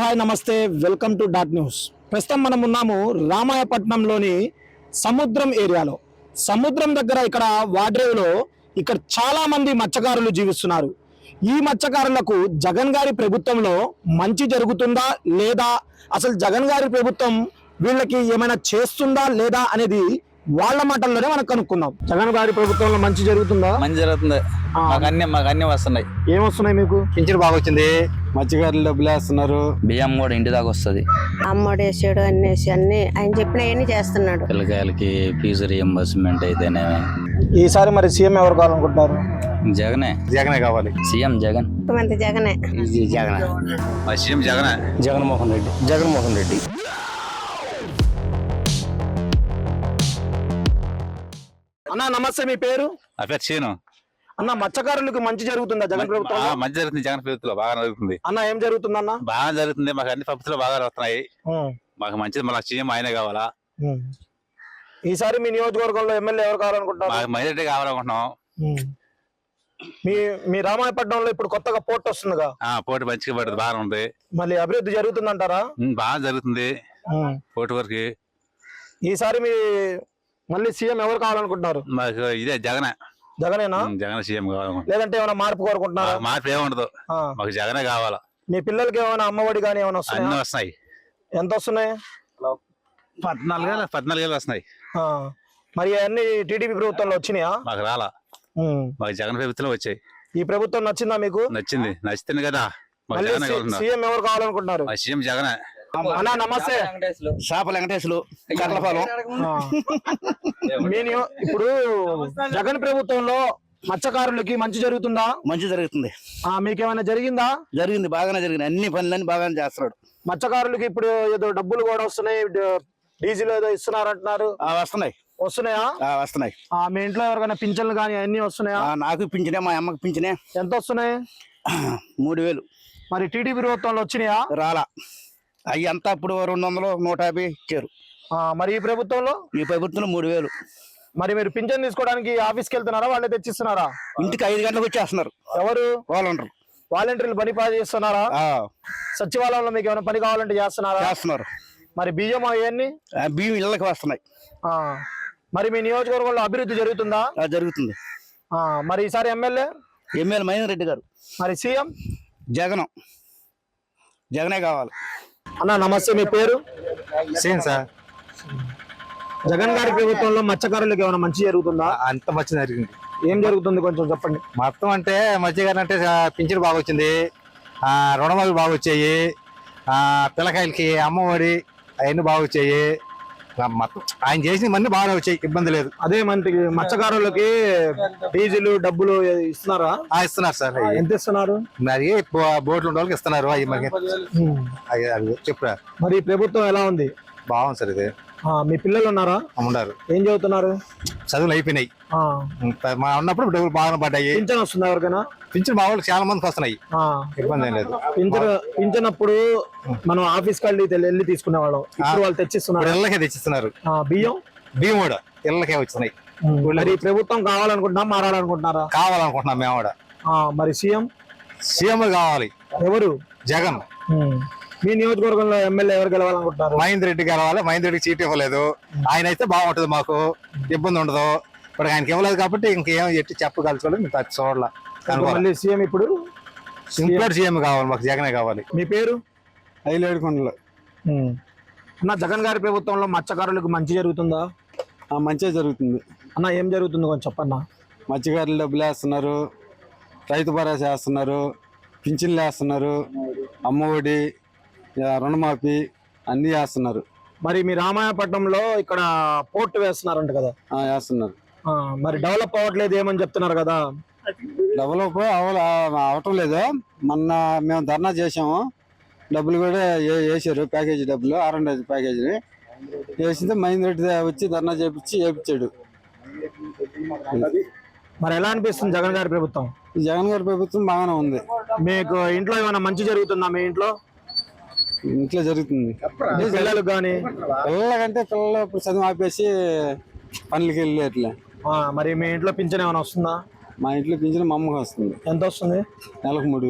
Hi నమస్తే welcome to dot news. ప్రస్తుతం మనం ఉన్నాము రామాయపట్నంలోని సముద్రం ఏరియాలో. సముద్రం దగ్గర ఇక్కడ వాడ్రేవులో ఇక్కడ చాలా మంది మత్స్యకారులు జీవిస్తున్నారు. ఈ మత్స్యకారులకు జగన్ గారి ప్రభుత్వంలో మంచి జరుగుతుందా లేదా, అసలు జగన్ గారి ప్రభుత్వం వీళ్ళకి ఏమైనా చేస్తుందా లేదా అనేది వాళ్ళ మాటల్లోనే మనం కనుక్కుందాం. జగన్ గారి ప్రభుత్వంలో మంచి జరుగుతుందా? మంచి జరుగుతుంది. మాకు అన్ని వస్తున్నాయి. ఏమొస్తున్నాయి మీకు? పింఛన్ బాగా వచ్చింది, మత్స్యకారులు డబ్బులు వేస్తున్నారు, బియ్యం కూడా ఇంటి దాకా వస్తుంది. అమ్మోడు వేసాడు అన్నేసి అన్ని ఆయన చెప్పినవన్నీ చేస్తున్నాడు. పిల్లకాయలకి ఫీజు రియంబర్స్మెంట్ అయితేనే. ఈసారి మరి సీఎం ఎవరు కావాలనుకుంటున్నారు? జగనే కావాలి. సీఎం జగన్. ముఖ్యమంత్రి జగనే. సీఎం జగనే. జగన్మోహన్ రెడ్డి. అన్న నమస్తే, మీ పేరు? నా పేరు చీను. అన్న, మత్స్యకారులకు మంచి జరుగుతుందా జగన్ ప్రభుత్వం? మంచి జరుగుతుంది. జగన్ ప్రభుత్వంలో బాగా జరుగుతుంది. అన్న ఏం జరుగుతుంది అన్న? బాగా జరుగుతుంది. మాకు అన్ని ప్రభుత్వాలు బాగా వస్తున్నాయి. మాకు మంచిది. మళ్ళీ సీఎం ఆయనే కావాలా. ఈసారి మీ నియోజకవర్గంలో ఎమ్మెల్యే ఎవరు కావాలనుకుంటున్నారు? మాకు మైనారిటీ కావాలనుకుంటున్నాం. మీ రామాయపట్నంలో ఇప్పుడు కొత్తగా పోర్ట్ వస్తుందిగా? పోటీ మంచిగా పడుతుంది, బాగా ఉంది. మళ్ళీ అభివృద్ధి జరుగుతుంది అంటారా? బాగా జరుగుతుంది పోటీ వరకు. ఈసారి మీ మళ్ళీ సీఎం ఎవరు కావాలనుకుంటున్నారు? మాకు ఇదే జగనే. జగనేనా? జగన్ సీఎం కావాలనుకుంటున్నాం. లేదంటే ఏమైనా మార్పు కోరుకుంటున్నారా? మార్పు ఏముండదు, మాకు జగనే కావాలా. మీ పిల్లలకి ఏమైనా అమ్మఒడి కానీ ఏమైనా వస్తాయి? అన్ని వస్తున్నాయి. ఎంత వస్తున్నాయి? 14,000 వస్తున్నాయి. మరి అన్ని టీడీపీ ప్రభుత్వంలో వచ్చినాయా? మాకు రాలా. మాకు జగన్ ప్రభుత్వంలో వచ్చాయి. ఈ ప్రభుత్వం నచ్చిందా మీకు? నచ్చింది. నచ్చింది కదా. మాకు జగన్ కావాలన్నారు. సీఎం ఎవరు కావాలనుకుంటున్నారు? సీఎం జగనే. అన్నా నమస్తే. షాప వెంకటేశ్వరు, కర్లపాలెం. ఇప్పుడు జగన్ ప్రభుత్వంలో మత్స్యకారులకి మంచి జరుగుతుందా? మంచి జరుగుతుంది. మీకేమైనా జరిగిందా? జరిగింది, బాగానే జరిగింది. అన్ని పనులన్నీ బాగానే చేస్తున్నాడు. మత్స్యకారులకి ఇప్పుడు ఏదో డబ్బులు కూడా వస్తున్నాయి, డీజిల్ ఏదో ఇస్తున్నారు అంటున్నారు. వస్తున్నాయా? వస్తున్నాయి. మీ ఇంట్లో ఎవరికైనా పింఛన్లు కానీ అన్ని వస్తున్నాయా? నాకు పింఛనే, మా అమ్మకి పింఛనే. ఎంత వస్తున్నాయి? 3,000. మరి టీడీపీ ప్రభుత్వంలో వచ్చినాయా? రాలా. అవి అంతా ఇప్పుడు 200, 150 ఇచ్చారు. మరి ఈ ప్రభుత్వంలో? ఈ ప్రభుత్వంలో 3,000. మరి మీరు పింఛన్ తీసుకోవడానికి ఆఫీస్కి వెళ్తున్నారా, వాళ్ళే తెచ్చిస్తున్నారా? ఇంటికి 5 గంటలకు వచ్చేస్తున్నారు. ఎవరు? వాలంటీర్లు పని చేస్తున్నారా? సచివాలయంలో మీకు ఏమైనా పని కావాలంటే చేస్తున్నారు. మరి బియ్యం అవన్నీ? బియ్యం ఇళ్ళకి వస్తున్నాయి. మరి మీ నియోజకవర్గంలో అభివృద్ధి జరుగుతుందా? జరుగుతుంది. మరి ఈసారి ఎమ్మెల్యే మైనార్ రెడ్డి గారు. మరి సీఎం జగనే కావాలి. అన్న నమస్తే, మీ పేరు? Same sir. జగన్ గారి ప్రభుత్వంలో మత్స్యకారులకు ఏమైనా మంచి జరుగుతుందా? అంత మంచి జరిగింది. ఏం జరుగుతుంది కొంచెం చెప్పండి. మొత్తం అంటే మత్స్యకారు అంటే పింఛన్ బాగా వచ్చింది, రుణమాలు బాగా వచ్చాయి, పిల్లకాయలకి అమ్మఒడి అవన్నీ బాగా వచ్చాయి. మొత్తం ఆయన చేసిన మన్ని బాగా వచ్చాయి, ఇబ్బంది లేదు. అదే మనకి మత్స్యకారులకి డీజిల్ డబ్బులు ఇస్తున్నారా? ఇస్తున్నారు సార్. ఎంత ఇస్తున్నారు? మరి బోట్లు ఉన్న వాళ్ళకి ఇస్తున్నారు. అవి మనకి చెప్పురా. మరి ప్రభుత్వం ఎలా ఉంది? బాగుంది సార్. ఇది మీ పిల్లలు ఉన్నారా? ఉన్నారు. ఏం చదువుతున్నారు? చదువులు అయిపోయినాయి. మా ఉన్నప్పుడు డబ్బులు బాగా పడ్డాయి. పింఛన్ వస్తుందా ఎవరికైనా? పింఛన్ మా వాళ్ళకి చాలా మందికి వస్తున్నాయి, ఇబ్బంది ఏం లేదు. పింఛన్ అప్పుడు మనం ఆఫీస్కి వెళ్ళి తీసుకునే వాళ్ళం, ఇప్పుడు వాళ్ళు తెచ్చిస్తున్నారు. ఇళ్ళకే తెచ్చిస్తున్నారు. బియ్యం కూడా ఇళ్ళకే వచ్చినాయి. మరి ప్రభుత్వం కావాలనుకుంటున్నా, మారాలనుకుంటున్నారా? కావాలనుకుంటున్నాం మేము కూడా. మరి సీఎం కావాలి. ఎవరు? జగన్. మీ నియోజకవర్గంలో ఎమ్మెల్యే ఎవరు గెలవాలనుకుంటున్నారు? మహేందర్ రెడ్డి గెలవాలి. మహేందర్ రెడ్డికి సీట్ ఇవ్వలేదు. ఆయన అయితే బాగుంటది, మాకు ఇబ్బంది ఉండదు. ఇప్పుడు ఆయనకి ఇవ్వలేదు కాబట్టి ఇంకేం ఎట్టి చెప్పగలుచుకోలేదు. మేము చూడాలి. మళ్ళీ సీఎం ఇప్పుడు సీఎం కావాలి. మాకు జగనే కావాలి. మీ పేరు? ఐలేడుకొండలు. అన్న, జగన్ గారి ప్రభుత్వంలో మత్స్యకారులకు మంచి జరుగుతుందా? మంచిగా జరుగుతుంది. అన్న ఏం జరుగుతుంది కొంచెం చెప్పన్నా. మత్స్యకారులు డబ్బులు వేస్తున్నారు, రైతు భరోసా వేస్తున్నారు, పింఛన్లు వేస్తున్నారు, అమ్మఒడి, రుణమాఫీ అన్ని వేస్తున్నారు. మరి మీ రామాయపట్నంలో ఇక్కడ పోర్ట్ వేస్తున్నారంట కదా? వేస్తున్నారు. మరి డెవలప్ అవ్వట్లేదు ఏమని చెప్తున్నారు కదా? డెవలప్ అవటం లేదు. మొన్న మేము ధర్నా చేసాము, డబ్బులు కూడా వేసారు, ప్యాకేజీ డబ్బులు, R&D ప్యాకేజీ వేసింది. మహేందర్ రెడ్డి వచ్చి ధర్నా చేపించాడు. మరి ఎలా అనిపిస్తుంది జగన్ గారి ప్రభుత్వం? జగన్ గారి ప్రభుత్వం బాగానే ఉంది. మీకు ఇంట్లో ఏమైనా మంచి జరుగుతుందా? మీ ఇంట్లో జరుగుతుంది. పిల్లలకు కానీ? పిల్లలకంటే పిల్లలు ఇప్పుడు చదువు ఆపేసి పనులకి వెళ్ళి అట్లా. మరి మీ ఇంట్లో పింఛన్ ఏమైనా వస్తుందా? మా ఇంట్లో పింఛన్ మా అమ్మకి వస్తుంది. ఎంత వస్తుంది? నెలకు 3,000.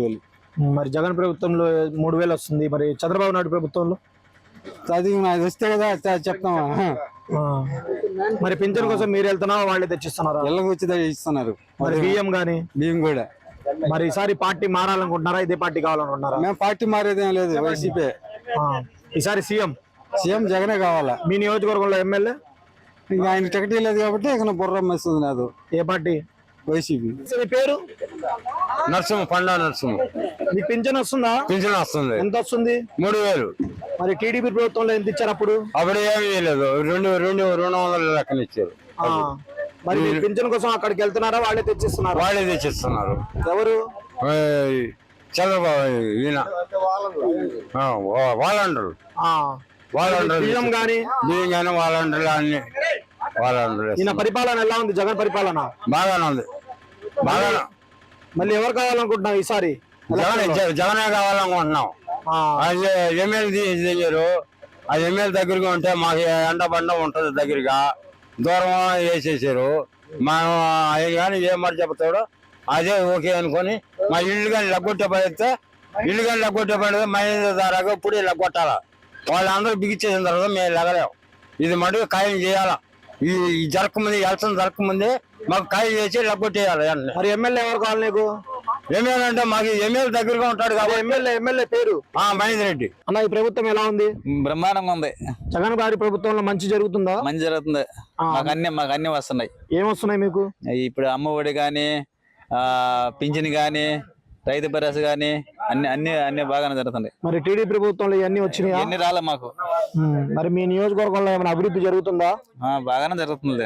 మరి జగన్ ప్రభుత్వంలో 3,000 వస్తుంది, మరి చంద్రబాబు నాయుడు ప్రభుత్వంలో అది అది వస్తే కదా చెప్తామా. ఆ. మరి పింఛన్ కోసం మీరు వెళ్తున్నారా, వాళ్ళే తెచ్చిస్తున్నారా? ఇళ్ళకి వచ్చి ఇస్తున్నారు. మరి బియ్యం గానీ బియ్యం కూడా. మరి ఈసారి పార్టీ మారాలనుకుంటున్నారా, ఇదే పార్టీ కావాలనుకుంటున్నారా? మేము పార్టీ మారేదేం లేదు, వైసీపీ. ఈసారి సీఎం జగనే కావాలా. మీ నియోజకవర్గంలో ఎమ్మెల్యే ఇంకా ఆయన టికెట్ లేదు కాబట్టి ఇక బుర్ర మెస్తుంది నాదు. ఏ పార్టీ? వైసీపీ. మీ పేరు? నరసింహ, పండా నరసింహ. మీకు పింఛన్ వస్తుందా? పింఛన్ వస్తుంది. ఎంత వస్తుంది? 3,000. మరి టీడీపీ ప్రభుత్వంలో ఎంత ఇచ్చారు అప్పుడు? అప్పుడు ఏమీ లేదు, 200 లెక్కన ఇచ్చారు. మరి మీరు పింఛన్ కోసం అక్కడికి వెళ్తున్నారా, వాళ్ళే తెచ్చిస్తున్నారు? వాళ్ళే తెచ్చిస్తున్నారు. ఎవరు? చంద్రబాబు ఈయన వాళ్ళంటారు. బియ్యం గానీ వాళ్ళంటారు అన్ని వాళ్ళంటారు. ఈయన పరిపాలన ఎలా ఉంది? జగన్ పరిపాలన బాగానే ఉంది. బాగా మళ్ళీ ఎవరు కావాలనుకుంటున్నాం ఈసారి? జగనే కావాలనుకుంటున్నాం. అది ఎమ్మెల్యే తీసారు. అది ఎమ్మెల్యే దగ్గరగా ఉంటే మాకు ఎండ బండ ఉంటది, దగ్గరగా దూరం వేసేసారు. మనం అది కానీ ఏం మాట చెప్తాడో అదే ఓకే అనుకొని మా ఇల్లు కానీ లగ్గొట్టే పడితే మైండ్ దారాగా ఇప్పుడు లగ్గొట్టాల. వాళ్ళందరూ బిగిచ్చేసిన తర్వాత మేము లెగలేము. ఇది మటుకు ఖాయం చేయాలా. ఈ జరగకముందే ఎలక్షన్ జరగకముందే మాకు ఖాయం చేసి లగ్గొట్టేయాలి. మరి ఎమ్మెల్యే ఎవరు కావాలి నీకు? ఎమ్మెల్యే అంటే మాకు ఎమ్మెల్యే దగ్గరగా ఉంటాడు కాబట్టి ఎమ్మెల్యే పేరు మహేందర్ రెడ్డి. అన్న, ఈ ప్రభుత్వం ఎలా ఉంది? బ్రహ్మాండంగా ఉంది. జగన్ గారి ప్రభుత్వంలో మంచి జరుగుతుందా? మంచి జరుగుతుంది. మాకు అన్ని వస్తున్నాయి. ఏమొస్తున్నాయి మీకు? ఇప్పుడు అమ్మ ఒడి గాని, పింఛన్ గాని, రైతు భరోసా గాని అన్ని బాగానే జరుగుతుంది. మరి టీడీపీ ప్రభుత్వంలో ఇవన్నీ వచ్చినాయి? ఎన్ని రాలే మాకు. మరి మీ నియోజకవర్గంలో ఏమైనా అభివృద్ధి జరుగుతుందా? బాగానే జరుగుతుంది.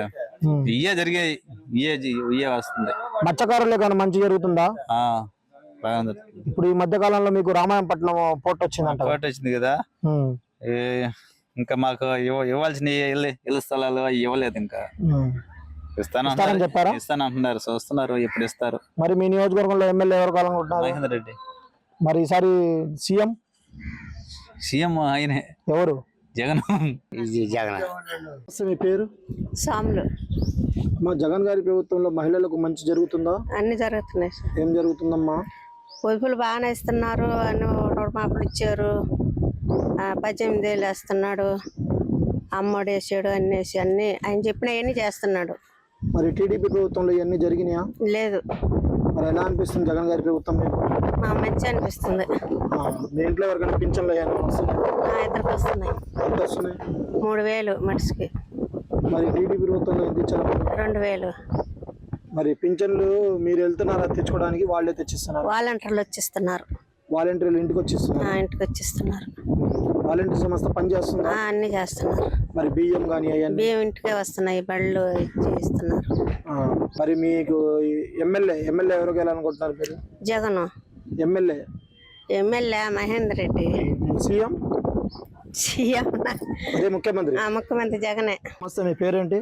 ఇయే వస్తుంది. మత్స్యకారులు కానీ మంచి జరుగుతుందా? బాగానే జరుగుతుంది. ఇప్పుడు ఈ మధ్య కాలంలో మీకు రామాయంపట్నం పోర్ట్ వచ్చిందంట. పోర్ట్ వచ్చింది కదా. ఇంకా మాకు ఇవ్వాల్సిన ఇళ్ళ స్థలాలు ఇవ్వలేదు. ఇంకా ఇస్తానని చెప్పారా? ఇస్తానంటున్నారు, చూస్తున్నారు ఎప్పుడు ఇస్తారు. మరి మీ నియోజకవర్గంలో ఎమ్మెల్యే ఎవరు కావాలనుకుంటున్నారు? మహేందర్ రెడ్డి. మరి ఈసారి సీఎం ఆయనే. ఎవరు? జగన్. మీ పేరు? సాములు. మా జగన్ గారి ప్రభుత్వంలో మహిళలకు మంచి జరుగుతుందా? అన్ని జరుగుతున్నాయి. ఏం జరుగుతుందమ్మా? పొదుపులు బాగానే ఇస్తున్నారు, అన్ని మాపులు ఇచ్చారు, 18,000 వేస్తున్నాడు, అమ్మఒడి వేసాడు, అన్ని ఆయన చెప్పినవన్నీ చేస్తున్నాడు. మరి టీడీపీ ప్రభుత్వంలో ఇవన్నీ జరిగినాయా? లేదు. మరి ఎలా అనిపిస్తుంది జగన్ గారి ప్రభుత్వం మీకు? మంచి అనిపిస్తుంది. మీ ఇంట్లో ఎవరికైనా పింఛన్లు ఇద్దరికి వస్తున్నాయి. ఎంత వస్తున్నాయి? 3,000 మనిషికి. మరి టీడీపీ ప్రభుత్వంలో ఎంత ఇచ్చారు? 2,000. మరి పింఛన్లు మీరు వెళ్తున్నారా తెచ్చుకోవడానికి, వాళ్ళే తెచ్చిస్తున్నారు? వాలంటీర్లు వచ్చిస్తున్నారు. వాలంటీర్లు ఇంటికి వచ్చిస్తున్నారు? ఇంటికి వచ్చిస్తున్నారు. వాలంటీర్ సంస్థ పని చేస్తున్నారు? అన్ని చేస్తున్నారు. మరి బియ్యం కానీ బియ్యం ఇంటికే వస్తున్నాయి, బళ్ళు ఇస్తున్నారు. మరి మీకు ఎమ్మెల్యే ఎవరికి వెళ్ళాలనుకుంటున్నారు మీరు? జగన్. ఎమ్మెల్యే మహేందర్ రెడ్డి. సీఎం అదే ముఖ్యమంత్రి జగనే. నమస్తే, మీ పేరేంటి?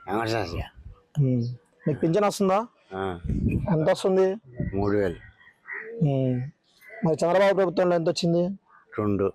మీకు పింఛన్ వస్తుందా? ఎంత వస్తుంది? 3,000. మరి చంద్రబాబు ప్రభుత్వంలో ఎంత వచ్చింది? 2.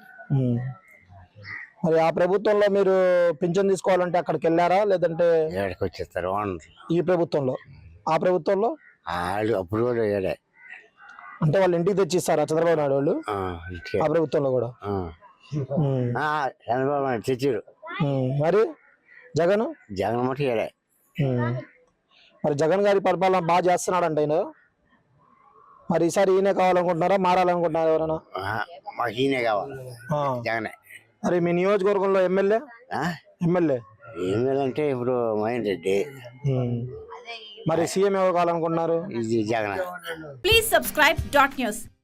మరి ఆ ప్రభుత్వంలో మీరు పింఛన్ తీసుకోవాలంటే అక్కడికి వెళ్ళారా, లేదంటే వచ్చేస్తారు? ఈ ప్రభుత్వంలో? ఆ ప్రభుత్వంలో అప్పుడు కూడా అంటే వాళ్ళు ఇంటికి తెచ్చిస్తారా చంద్రబాబు నాయుడు వాళ్ళు? ఆ ప్రభుత్వంలో కూడా చంద్రబాబు నాయుడు తెచ్చారు. మరి జగన్ మటు మరి జగన్ గారి పరిపాలన బాగా చేస్తున్నాడంట ఈయన. మరి ఈసారి ఈయనే కావాలనుకుంటున్నారా, మారాలనుకుంటున్నారా ఎవరైనా? మాకు ఈయనే కావాలి, జగనే. మరి మీ నియోజకవర్గంలో ఎమ్మెల్యే అంటే ఇప్పుడు మహేందర్ రెడ్డి. మరి సీఎం ఎవరు కావాలనుకుంటున్నారు? జగన్. Please subscribe .news.